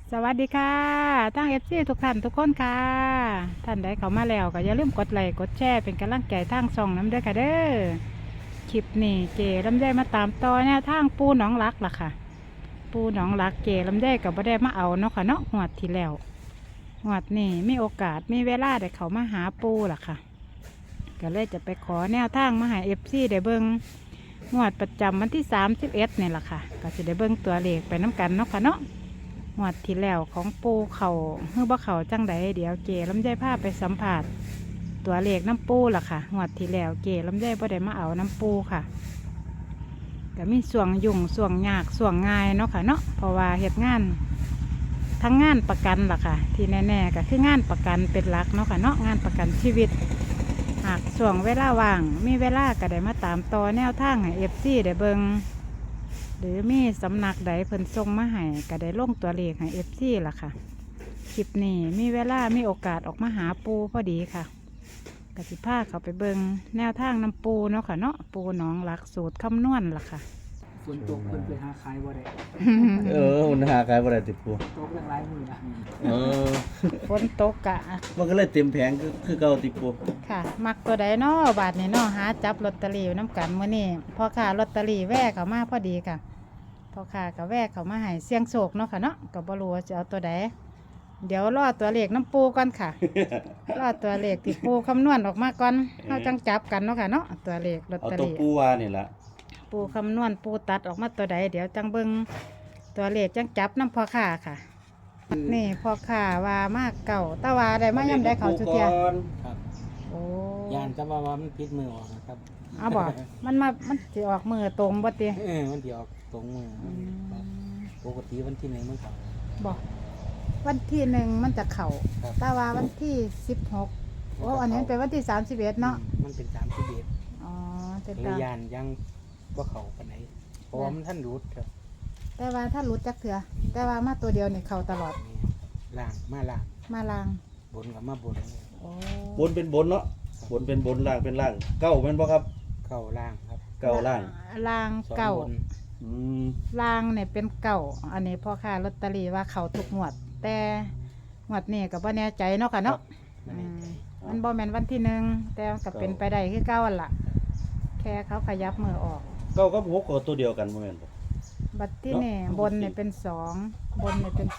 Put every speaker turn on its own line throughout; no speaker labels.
สวัสดีค่ะทั้งFCทุกท่านทุกคนค่ะท่านใดเข้ามาแล้วก็อย่าลืมกดไลค์กดแชร์เป็นกำลังใจทางช่องน้ำเด้อค่ะเด้อคลิปนี้เก๋ลำไยมาตามต่อแนวทางปูหนองรักล่ะค่ะปูหนองรักเก๋ลำไยกับบ่ได้มาเอาเนาะค่ะเนาะงวดที่แล้วงวดนี้มีโอกาสมีเวลาได้เข้ามาหาปูล่ะค่ะก็เลยจะไปขอแนวทางมาให้ FCได้เบิ่งงวดประจำวันที่31นี่ล่ะค่ะก็จะได้เบิ่งตัวเลขไปน้ำกันเนาะค่ะเนาะงวดที่แล้วของปูเขาเฮือบ่เขาจังใดเดี๋ยวเก๋ลำไยพาไปสัมผัสตัวเลขน้ำปูล่ะค่ะงวดที่แล้วเก๋ลำไยบ่ได้มาเอาน้ำปูค่ะก็มีส่วงยุ่งส่วงยากส่วงง่ายเนาะค่ะเนาะเพราะว่าเฮ็ดงานทั้งงานประกันล่ะค่ะที่แน่ๆก็คืองานประกันเป็นหลักเนาะค่ะเนาะงานประกันชีวิตหากส่วงเวลาว่างมีเวลาก็ได้มาตามต่อแนวทางให้ FC ได้เบิ่งหรือมีสำนักใดเพิ่นส่งมาให้ก็ได้ลงตัวเลขให้ FC ล่ะค่ะคลิปนี้มีเวลามีโอกาสออกมาหาปูพอดีค่ะกสิพาเขาไปเบิ่งแนวทางน้ำปูเนาะค่ะเนาะปูหนองหลักสูตรคำนวณล่ะค่ะ
ฝนตกเพิ่นไปหาขายบ่ได้
มันหาขายบ่ได้ติดปู
ตกตั้งหลายมื้อนะ
เออ
ฝนตกกะ
มันก็เลยเต็มแผงคือเก่าติดปู
ค่ะ มักตัวใดเนาะบาทนี่เนาะหาจับลอตเตอรี่น้ำกันมื้อนี้พอค่ะลอตเตอรี่แวะเข้ามาพอดีค่ะพอค่ะก็แวะเข้ามาให้เสี่ยงโชคเนาะค่ะเนาะก็บ่รู้ว่าจะเอาตัวใดเดี๋ยวรอตัวเลขน้ำปูก่อนค่ะ รอตัวเลขที่ปูคำนวณออกมาก่อนเฮาจังจับกันเนาะค่ะเนาะตัวเลขลอต
เอา
เตอ
ตัว
รี่
ปูวานี่ล่ะ
ปูคำนวณปูตัดออกมาตัวใดเดี๋ยวจังเบิ่งตัวเลขจังจับน้ำพอค่ะค่ะ นี่พอค่ะว่ามากเก่าตะวาได้มาย่ำได้เขาจุเทีย
ครับ
โอ้
ย่านจะว่ามันปิดมือออกนะครับ
เอาบอกมันสิออกมือตรงบ่ติ
มันสิออกตรงมือครับปกติวันที่1มันเข้า
บอกวันที่1มันจะเข่า
ครับ
ตะวาวันที่16โอ้อันนี้เป็นวันที่31เนาะ
มันเป็น31
อ๋อเป็น
เลย
ตา
ย่านยังบ่เข้าปานใดเพราะว่ามันท่านรูดครับ
แต่ว่าถ้าหลุดจักเถือแต่ว่ามาตัวเดียวนี่เข่าตลอด
ล่างมาล่าง
มาลาง
บนกับมาบน
โอ้
บนเป็นบนเนาะบนเป็นบนล่างเป็นล่างเก้าแม่นบ่ครับ
เข้าล่างครับ
เก้าล่าง
ลาง
สอง
เก่า
บน
อืม
ลางเนี่ยเป็นเก่าอันนี้พ่อค้าลอตเตอรี่ว่าเขาทุกงวด แต่งวดนี้ก็บ่แน่ใจเนาะค่ะเนาะ
ไม่
อื
แน่
ม
ใจ
มันบ่แม่นวันที่1แต่ก็เป็นไปได้คือเก่าหั่นล่ะ แค่เขาขยับมือออก
เก้ากับหกก็ตัวเดียวกันบ่แม่นบ่
บัดที่นี่
เนาะ
บนเนี่ยเป็น2บนเนี่ยเป็น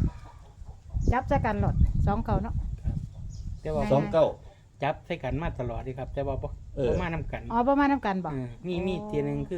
2จับใส่กันหลด2เก่าเนาะ
แต่ว่า
ไง
สองเก้า
จับใส่กันมาตลอดดีครับ แต่ว่าบ่
เออ
มานํกัน
อ๋อประมาณนํกันบ่
มีทีหนึงคือ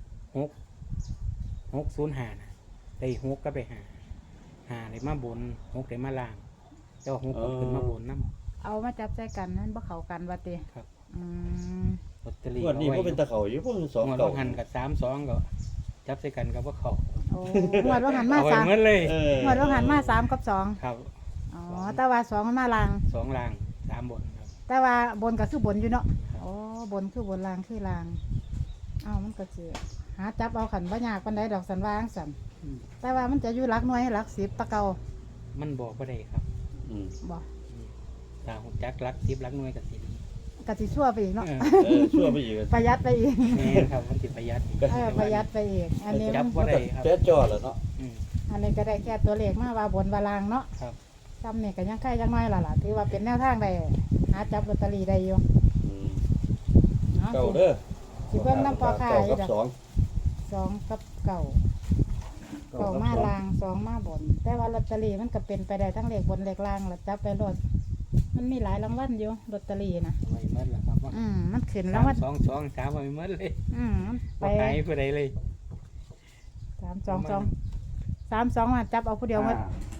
605นะได้6ก็ไป5ได้มาบน6ได้มาล่างแต่ว่า6ก็ขึ้นมาบนนำ
เอามาจับใส่กันนั้นบ่เข้ากันว่าติ
ครับ
อืม
ลอตเตอรี่
งวดนี้ก็เป็นตะเขาอยู่พวกสอง
งวด
เก้า
ว่าหันกับ32ก็จับใส่กันกับว่าเขา
โอ้งวดว่าหันมา
เอาไว้
3
เหมือนเลย
เออง
วดว่าหันมา3กับ2
ครับ
อ๋อแต่ว่า2มันมาลาง
2ล่าง3บนครับ
แต่ว่าบนก็คือบนอยู่เนาะอ๋อบนคือบนลางคือลางเอ้ามันก็สิหาจับเอาขันบ่ยากปานใดดอกสันวาจั่งสันแต่ว่ามันจะอยู่หลักหน่วยหลัก10ตะเก่า
มันบอกบ่ได้ครับ
อืม
บ่
ถ้าฮู้จักหลัก10หลักหน่วยก็สิดี
ก็สิชั่วไปอีกเนาะ
ชั่วไปอีก
ประหยัดไปอีก
แม่นครับมันสิประหยัดอีก
ประหยัดไปอีกอันนี้
จับ
มัน
บ่ได้ครับ
แจ๊จอแล้วเนาะ
อืม
อันนี้ก็ได้แค่ตัวเลขมาว่าบนว่าลางเนาะ
ครับ
ซ้ำนี่ก็ยังใกล้ยังน้อยล่ะถือว่าเป็นแนวทางได้หาจับลอตเตอรี่ได้อยู่
อืม
เนาะ
เก้าเด้อ
สิเบิ่งน้ำปอค่ะ
เก้า
อยู่
กับ
ดอก
สอง
2กับเก่าเก่ามาลาง2มาบน แต่ว่าลอตเตอรี่มันก็เป็นไปได้ทั้งเลขบนเลขล่างแล้วจับไปรถมันมีหลายรางวัลอยู่ลอตเตอรี่นะ
ไว้หมดแล้วครับว่า
มันขึ้นรางวัล
2 3ไว้หมดเลย
มันไป
บ่ขายผู้ใดเลย
3 2มาจับเอาผู้เดียวหมด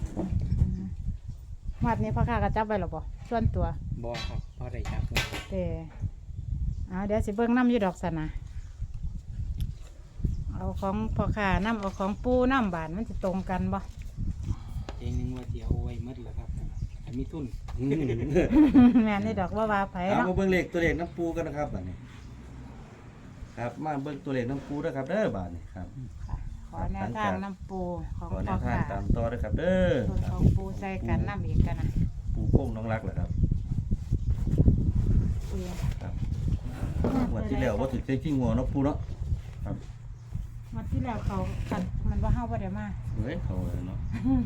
วัดนี้พ่อค้าก็จับไว้หรอบ่ส่วนตัว
บ่ครับบ่ได้จับเลย
แต่เดี๋ยวสิเบิ่งน้ำอยู่ดอกสนะเอาของพ่อค้าน้ำเอาของปูน้ำบานมันจะตรงกันบ่
เองนึงว่าสิเอาไว้หมดแล้วครับให้มีทุน
อืม
แม่นี่ดอกว่าไผ
เอา
เนาะ
มาเบิ่งเลขตัวเลขน้ำปูกันนะครับบัดนี้ ครับมาเบิ่งตัวเลขน้ำปูด้วยครับเด้อบาดนี้ครับ
ค่ะขอแนวทางน้ำปูของ
ขอแน
พ่อ
วทาง
ค้า
ตามต่อด้วยครับเด้อ
ส่วนของปูใส่กันน้ำอีกกันนะ
ปูโป้งน้องรักเหรอครับ
ปู
ครับงวันที่แล้วว่าถึงใจขี้งัวเนาะปูเนาะครับ
วันที่แล้วเขากันมันว่าเฮาบ่ได้มา
เฮ้ยเขาเลยเนาะ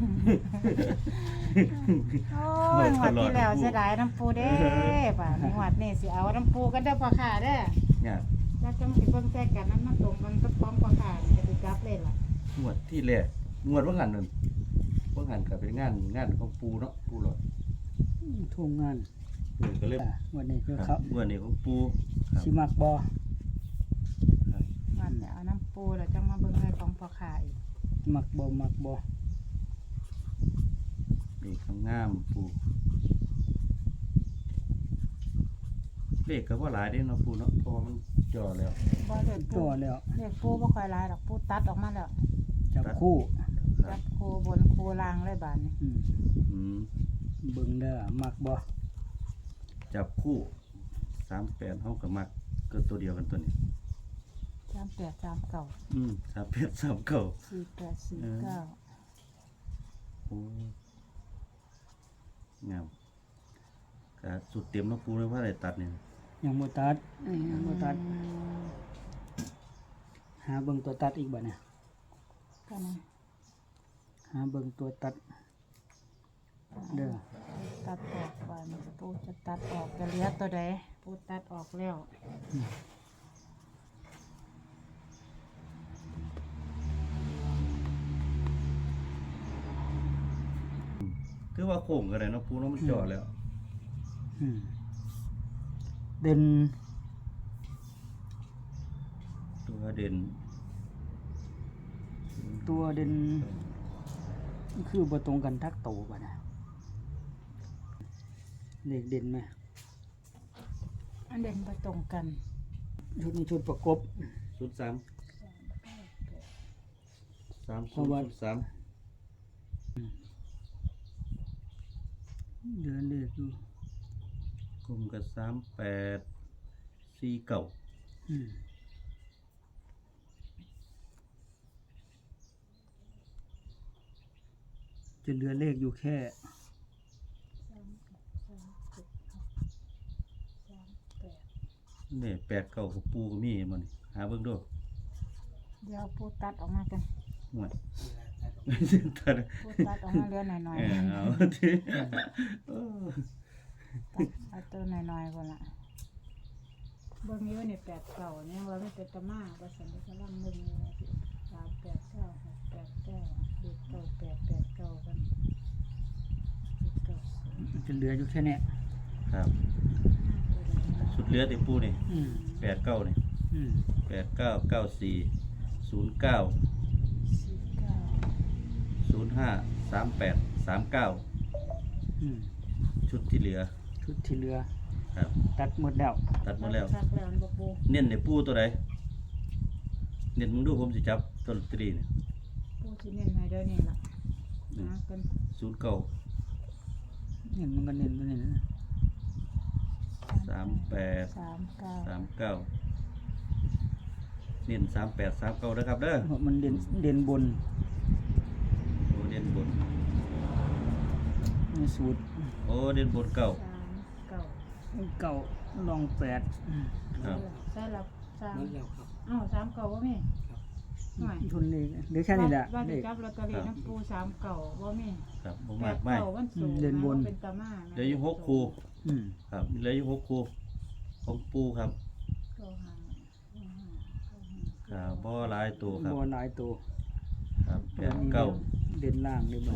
โอ้ยงวดที่แล้วเสียดายน้ำปูเด้ป่ะงวดนี้สิเอาน้ำปูกันเด้อพ่อค้าเด้อ
เนี่ย
แล้วจังสิเบิ่งแท้กันนั้นมันตรงมันก็พร้อมพ่อค้าจะไปจับเลยล่ะ
งวดที่แรกงวดว่างันนั่นว่างันก็เป็นงานของปูเนาะปูหลอด
ทุ่งงาน
ก็เลย
วันนี้คือ
ค
เขา
รับงวดนี้ของปูครับ
สิมักบ่
มันเอาน้ำปูแล้วจังมาเบิ่งเลยของพ่อค้าอีก
มักบ่มักบ่
นี่ข้างงามปูเลขก็ว่าหลายเด้เนาะปูเนาะเพราะว่ามันจ่อแล้ว
บ่เด็ดปู
ตัวแล้ว
เด็กปูบ่ค่อยหลายดอกปูตัดออกมาแล้ว
จับคู่
ครั
จั
บบ
คูบนคูล่างเลยบาดนี้
อืม
เบิ่งเด้อมักบ่
จับคู่38เฮาก็มักเกิดตัวเดียวกันตัวนี้
3839
3839
4849
โอ้งามก็สุดเต็มเนาะปูเลยว่าได้ตัดเนี่ย
ยังบ่ตัดยังบ่ตัดหาเบิ่งตัวตัดอีกบ่เนี่ย
ก็นะ
หาเบิ่งตัวตัดเด้อ
ตัดออกบาดนี้ปูจะตัดออกจะเหลือตัวใดปูตัดออกแล้ว
คือว่าโค้งก็ได้เนาะปูเนาะมันจ่อแล้ว
อืมเด่น
ตัวเด่น
ตัวเด่นคือบ่ตรงกันทักโตบ่นะเลขเด่นไหม
อันเด่นบ่ตรงกัน
ชุดนี้ชุดประกบ
ชุด3
เพราะว่า
ชุด3
เดือนเลขอยู่
กลุ่มกับ3849
อืมจะเหลือเลขอยู่แค่
นี่89กับปูก็มีมันหาเบิ่งดู
เดี๋ยวปูตัดออกมากัน
ห่วย ตัด
ปูตัดออกมาเหลือหน่อย
เอาที่เออ
ๆตัดเอาตัวหน่อยๆพุ่นล่ะเบิ่งอยู่นี่89เนี่ยว่ามันเป็นตะมาว่าซั่นก็กำลังมึงอยู่ว่าสิ389 689เลข9889กัน90
จะเหลืออยู่แค่เนี้ย
ครับชุดเหลือที่ปูนี่
อืม
89นี่
อืม
8994 09 05 38 39
อืม
ชุดที่เหลือ
ชุดที่เหลือ
ครับ
ตัดหมดแล้ว
ตัดหมดแล้ว
คักแล้วอันบ่ปู
เน้นในปูตัวใดเน้นมึงดูผมสิจับต้นตรีเนี่ย
ปูสิเน้นให้เด้อนี่ล่ะหากัน
09
เห็นมันก็เน้นตัวนี้นะ
38
39
39เน้น38 39นะครับเด้อ
เพราะมันเด่นบน
โอ้เน้นบน
ในสูตร
โอ้เน้นบนเก่า
39
เก่าลอง8
ครับ
ใช่แล้ว3
นั่นแล้วครับ
อ้าว3เก่าบ่มีหน่อย
ทุนเลขเหลือแค่นี้แหละ
ว่า
เล
สิ
ข
จับลอตเตอรี่น้ำปู3เก่าบ่มี
ครับบ่
แป
มาก
ด
ไม่
เก่าวันสูง
เด่นบน
เป็นตามา
เหลืออยู่6คู่
อืม
ครับเหลืออยู่6คู่ของปูครับ
เก้าห้า
ครับบ่หลายตัวครับ
บ่หลายตัว
ครับ
ตัวนี้
89
เด่นล่างเลยบ่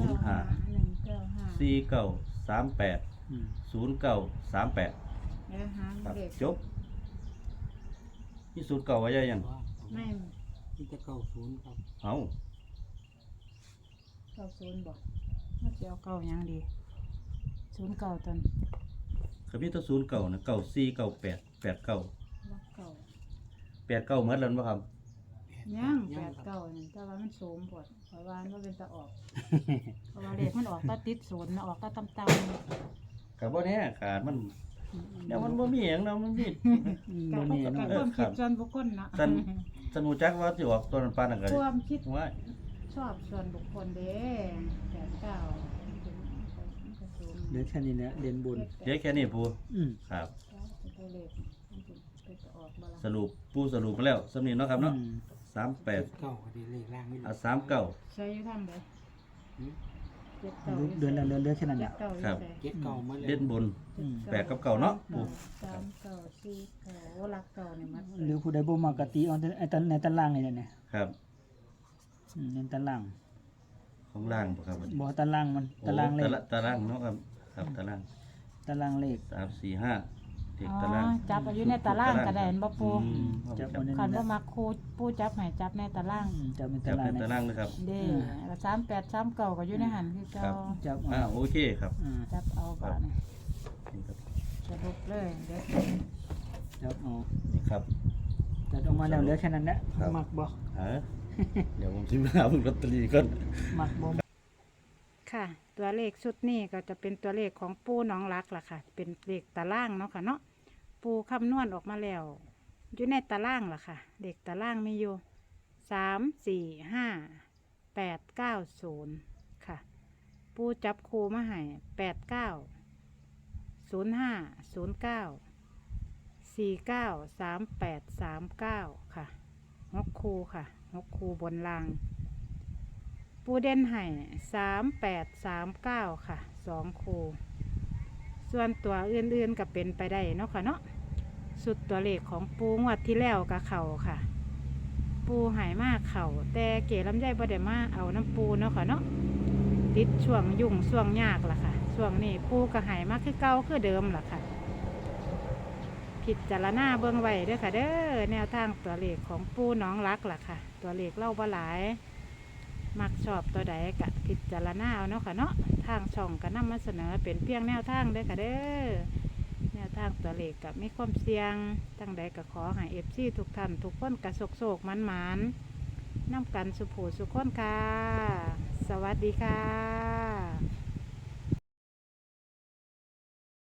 195
49 38
อืม
09 38
แล้วหาง
ครับ
เด็ก
จบนี่สูตรเก่าไว้ยัง
ไม่
ที่จะ90ครับ
เอา
90บ่มันสิเอาเก่าหยังดี0เก่าตอน
ก็มีตัวศูนย์เก่านะ94 98 89
บ่เก่า
89เหมือนแล้วบ่ครับ
ยัง8เก่านี่แต่ว่ามันสูงพดเพราะว่ามันเป็นตาออกเพราะว่าเลขมันออกตาติดศูนย์นะออกตาต่ำๆ
ก็บ่แน่ขาดมันเดี๋ยวมันบ่มีหยังเนาะมันมี
กับ
บ่
พว
แน่
ก
เนาะ
ความคิดส่วนบุคคลนะ
ท่าน สนุจักว่าสิออกตัวนั้นปานนั้นก็
ความคิด
ว่า
ชอบส่วนบุคคลเด้89
เหลือแค่นี้แหละเด่นบน
เดี๋ยวแค่นี้ปู
อืม
ครับ
ตัวเลขมันจะออกบ่ล่ะ
สรุปปูสรุปมาแล้วสำนี้เนาะครับเนาะ
อืม
38
เก้าก็ดีเลขล่างนี่
39
ใช้อยู่ทำเลย
หืม
เจ็ดเก้า
เดือนละเดือนแค่นั้น
เจ็
แห
ด
ละ
เก้า
ครับ
เจ็ดเก้ามาเลย
เด่นบน
อืม
แปดกับเก้าเนาะปู่
สามเก้าสี่เก้าโอ้รักเก้าเนี่ยมัน
หรือผู้ใดบ่มักกะตีเอาแต่ไอ้ตันในตารางนี่แหละเนี่ย
ครับ
ในตาราง
ของล่างบ่ครับ
บ่ตารางมันตารางเลข
ตารางเนาะครับครับตาราง
ตารางเลข
3 4 5เด็ก
อ๋อ
ตาราง
จับอายุในตารางก็ได้เห็นบ่ปู
อืม
จับ
จั
เอา
บ
ใน
คัน
นั้น
บ่มักครูปูจับให้จับในตาราง
จับใน
จั
ตา
บ
รา
ใน
ง
ตารางนะครับ
เด้แล้ว38 39ก็อยู่ในหันคือเก่า
ครับ
จับเอา
โอเคครับ
จับเอาก่อน
นี่ครับ
สรุปเลยเดี๋ยว
จับเอา
นี่ครับ
จัดออกมาแล้วเหลือแค่นั้นแหละ
ครับ
มักบ่
ฮะเดี๋ยวผมสิมาหาเบิ่งลอตเตอรี่ก่อน
มักบ่
ค่ะ ตัวเลขชุดนี้ก็จะเป็นตัวเลขของปูน้องรักล่ะค่ะ เป็นเลขตารางเนาะค่ะเนาะปูคำนวณออกมาแล้วอยู่ในตารางล่ะค่ะเลขตารางมีอยู่3 4 5 8 9 0ค่ะ ปูจับคูมาให้89 05 09 49 38 39ค่ะ6คูค่ะ6คูบนราง ปูเด่นให้38 39ค่ะ2คูส่วนตัวอื่นๆก็เป็นไปได้เนาะค่ะเนาะสุดตัวเลขของปูงวดที่แล้วกับเข่าค่ะ ปูหายมากเข่าแต่เก๋ลำไยบ่ได้มาเอาน้ำปูเนาะค่ะเนาะติดช่วงยุ่งช่วงยากล่ะค่ะช่วงนี้ปูก็หายมากคือเก่าคือเดิมล่ะค่ะพิจารณาเบิ่งไว้เด้อค่ะเด้อแนวทางตัวเลขของปูน้องรักล่ะค่ะ ตัวเลขเล่าบ่หลายมักชอบตัวใดกะพิจารณาเอาเนาะค่ะเนาะทางช่องก็นำมาเสนอเป็นเพียงแนวทางเด้อค่ะเด้อแนวทางตัวเลขกับมีความเสี่ยงตั้งใดก็ขอให้FCทุกท่านทุกคนกระโศกมันๆนำกันสุขูสุขคนค่ะ สวัสดีค่ะ